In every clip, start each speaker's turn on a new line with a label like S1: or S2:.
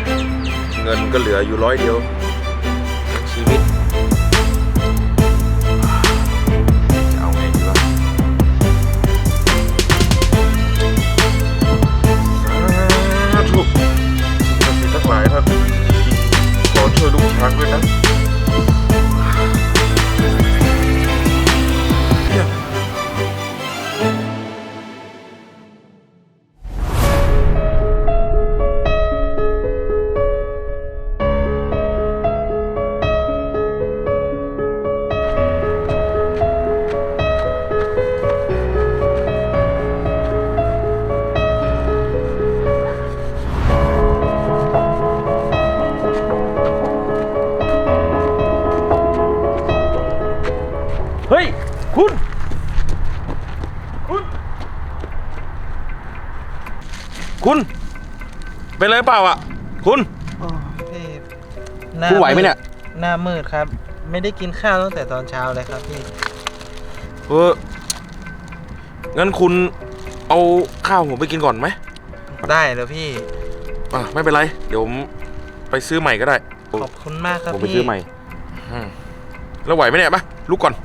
S1: เงินก็เหลืออยู่100 เดียวชีวิตจะเอาไงดีวะสาธุสิ่งศักดิ์สิทธิ์ทั้งหลายท่านขอช่วยลูกช้างด้วยนะเฮ้ยคุณเป็นไรเปล่าอ่ะคุณ
S2: พี่
S1: คุณไหวไหมเนี่ย
S2: หน้ามืดครับไม่ได้กินข้าวตั้งแต่ตอนเช้าเลยครับพี่
S1: งั้นคุณเอาข้าวผมไปกินก่อนไหม
S2: ได้เลยพี่
S1: ไม่เป็นไรเดี๋ยวผมไปซื้อใหม่ก็ได้
S2: ขอบคุณมากครับ
S1: ผมไปซื้อใหม่แล้วไหวไหมเนี่ยมาลุกก่อน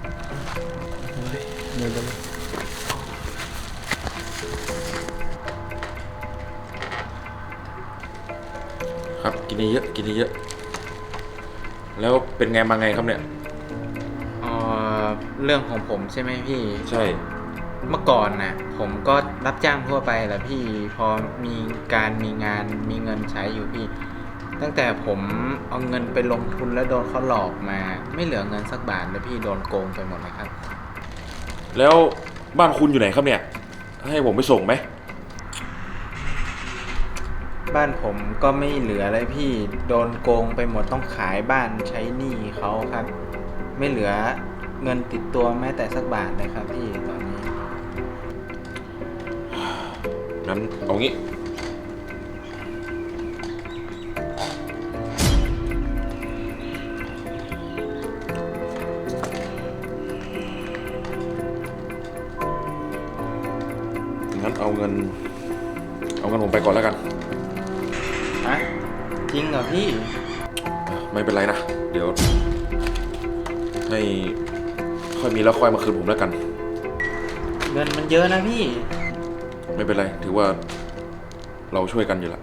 S1: ครับกินเยอะกินเยอะแล้วเป็นไงมาไงครับเนี่ย
S2: เรื่องของผมใช่ไหมพี่
S1: ใช่
S2: เมื่อก่อนนะผมก็รับจ้างทั่วไปแหละพี่พอมีงานมีเงินใช้อยู่พี่ตั้งแต่ผมเอาเงินไปลงทุนแล้วโดนเขาหลอกมาไม่เหลือเงินสักบาทเลยพี่โดนโกงไปหมดเลยครับ
S1: แล้วบ้านคุณอยู่ไหนครับเนี่ยให้ผมไปส่งไหม
S2: บ้านผมก็ไม่เหลือเลยพี่โดนโกงไปหมดต้องขายบ้านใช้หนี้เขาครับไม่เหลือเงินติดตัวแม้แต่สักบาทเลยครับพี่ตอนนี้
S1: งั้นเอางี้งั้นเอาเงินผมไปก่อนแล้วกัน
S2: ฮะจริงเหรอพี่
S1: ไม่เป็นไรนะเดี๋ยวให้ค่อยมีแล้วค่อยมาคืนผมแล้วกัน
S2: เงินมันเยอะนะพี่
S1: ไม่เป็นไรถือว่าเราช่วยกันอยู่ละ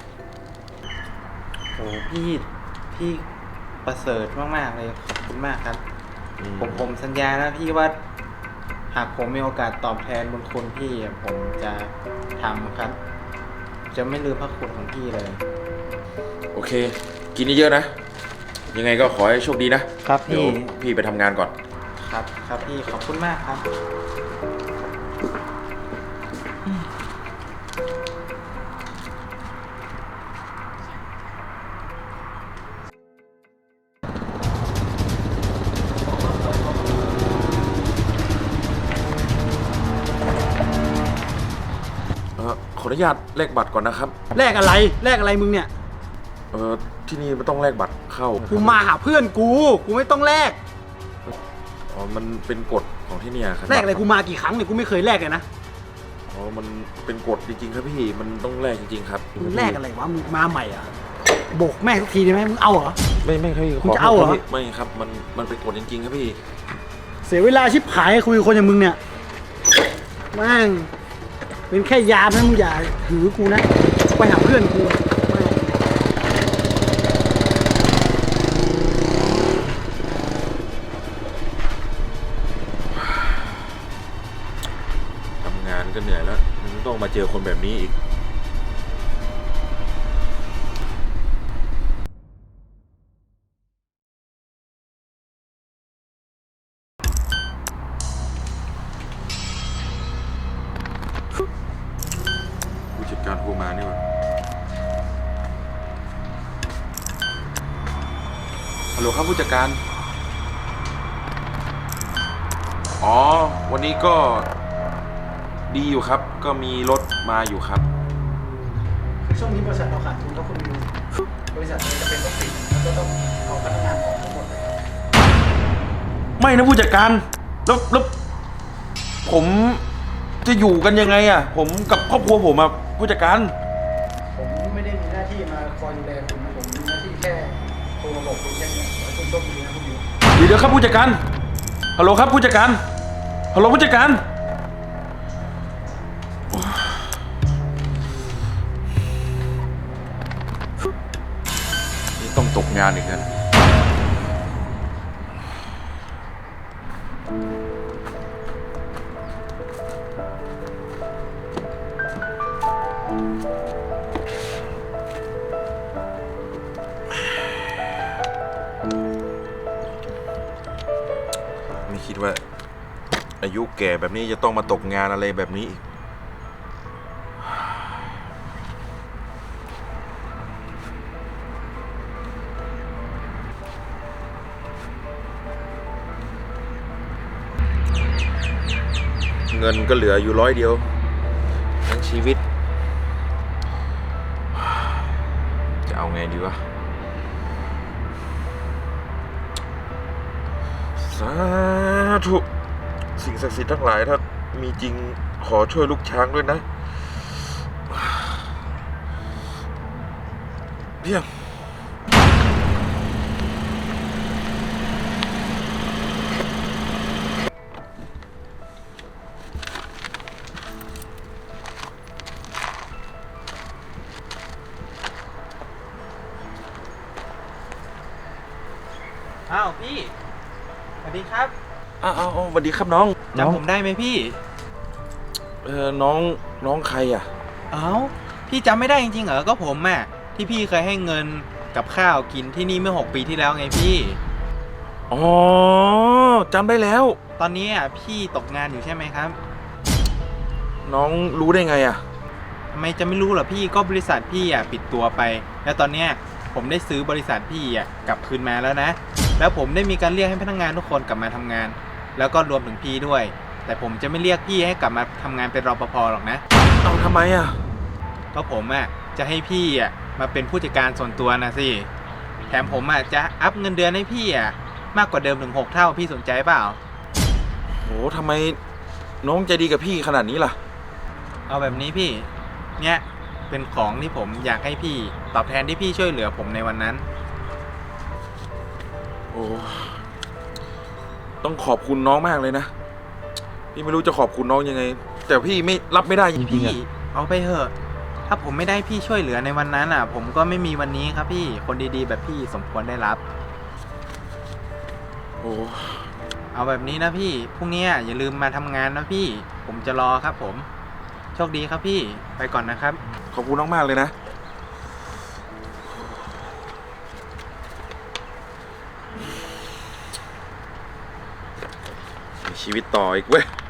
S2: โอ้พี่ประเสริฐมากๆเลยขอบคุณมากครับผมสัญญานะพี่ว่าหากผมมีโอกาสตอบแทนบุญคุณพี่ผมจะทำครับจะไม่ลืมพระคุณของพี่เลย
S1: โอเคกินเยอะๆนะยังไงก็ขอให้โชคดีนะครับเดี๋ยวพี่ไปทำงานก่อน
S2: ครับพี่ขอบคุณมากครับ
S1: ขออนุญาตแลกบัตรก่อนนะครับ
S3: แลกอะไรมึงเนี่ย
S1: ที่นี่ไม่ต้องแลกบัตรเข้า
S3: กูมาหาเพื่อนกูไม่ต้องแลก
S1: มันเป็นกฎของที่นี่ครับ
S3: แลกอะไรกูมากี่ครั้งเนี่ยกูไม่เคยแลกเลยนะ
S1: มันเป็นกฎจริงๆครับพี่มันต้องแลกจริงๆครับ
S3: มึงแลกอะไรวะมึงมาใหม่อ่ะโบกแม่ทุกทีได้ไหมมึงเอาเหรอ
S1: ไม่ครับ
S3: มึงจะเอาเหรอ
S1: ไม่ครับมันเป็นกฎจริงๆครับพี่
S3: เสียเวลาชิบหายคุยกับคนอย่างมึงเนี่ยแม่งเป็นแค่ยามนะมึงอย่าหือกูนะไปหาเพื่อนกู
S1: ทำงานก็เหนื่อยแล้วต้องมาเจอคนแบบนี้อีกผู้จัดการโทรมานี่วะฮัลโหลครับผู้จัดการวันนี้ก็ดีอยู่ครับก็มีรถมาอยู่ครับ
S3: ช่วงนี้บริษัทเราขาดทุนแล้วคุณบริษัทจะเป็นต้องปิดแล้วก็ต้องเอาพนักงานออกทั้งหมดเลย
S1: ไม่นะผู้จัดการแล้วผมจะอยู่กันยังไงอ่ะผมกับครอบครัวผมอ่ะผู้จัดการ
S3: ผมไม่ได้มีหน้าที่มาคอยดูแล
S1: เดี๋ยวครับผู้จัดการฮัลโหลครับผู้จัดการฮัลโหลผู้จัดการนี่ต้องตกงานอีกแล้ว
S4: ไม่คิดว่าอายุแก่แบบนี้จะต้องมาตกงานอะไรแบบนี้อีก เงินก็เหลืออยู่100 เดียวทั้งชีวิต จะเอาไงดีวะ สาธุสิ่งศักดิ์สิทธิ์ทั้งหลายถ้ามีจริงขอช่วยลูกช้างด้วยนะเพียง
S2: อ้าวพี่สวัสดีครับ
S4: อ้าวสวัสดีครับน้อง
S2: จำผมได้ไหมพี่
S4: น้องใครอ่ะ
S2: เอ้าพี่จำไม่ได้จริงๆเหรอก็ผมอ่ะที่พี่เคยให้เงินกับข้าวกินที่นี่เมื่อ6 ปีที่แล้วไงพี่
S4: อ๋อจำได้แล้ว
S2: ตอนนี้อ่ะพี่ตกงานอยู่ใช่ไหมครับ
S4: น้องรู้ได้ไงอ่ะ
S2: ทำไมจะไม่รู้เหรอพี่ก็บริษัทพี่อ่ะปิดตัวไป แล้วตอนเนี้ยผมได้ซื้อบริษัทพี่อ่ะกลับคืนมาแล้วนะ แล้วผมได้มีการเรียกให้พนักงานทุกคนกลับมาทำงาน แล้วก็รวมถึงพี่ด้วย แต่ผมจะไม่เรียกพี่ให้กลับมาทำงานเป็นรปภหรอกนะ
S4: เอาทำไมอ่ะ
S2: ก็ผมอ่ะจะให้พี่อ่ะมาเป็นผู้จัดการส่วนตัวนะสิแถมผมอ่ะจะอัพเงินเดือนให้พี่อ่ะมากกว่าเดิมถึง6 เท่าพี่สนใจเปล่า
S4: โหทำไมน้องใจดีกับพี่ขนาดนี้ล่ะ
S2: เอาแบบนี้พี่เนี่ยเป็นของที่ผมอยากให้พี่ตอบแทนที่พี่ช่วยเหลือผมในวันนั้น
S4: โอ้ต้องขอบคุณน้องมากเลยนะ พี่ไม่รู้จะขอบคุณน้องยังไง แต่พี่ไม่รับไม่ได้จริงๆ
S2: พี่
S4: อ่ะ
S2: เอาไปเถอะถ้าผมไม่ได้พี่ช่วยเหลือในวันนั้นอ่ะ ผมก็ไม่มีวันนี้ครับพี่คนดีๆแบบพี่สมควรได้รับ
S4: โอ้
S2: เอาแบบนี้นะพี่พรุ่งนี้อย่าลืมมาทำงานนะพี่ผมจะรอครับผมโชคดีครับพี่ไปก่อนนะครับ
S4: ขอบคุณน้องมากเลยนะ มีชีวิตต่ออีกเว้ย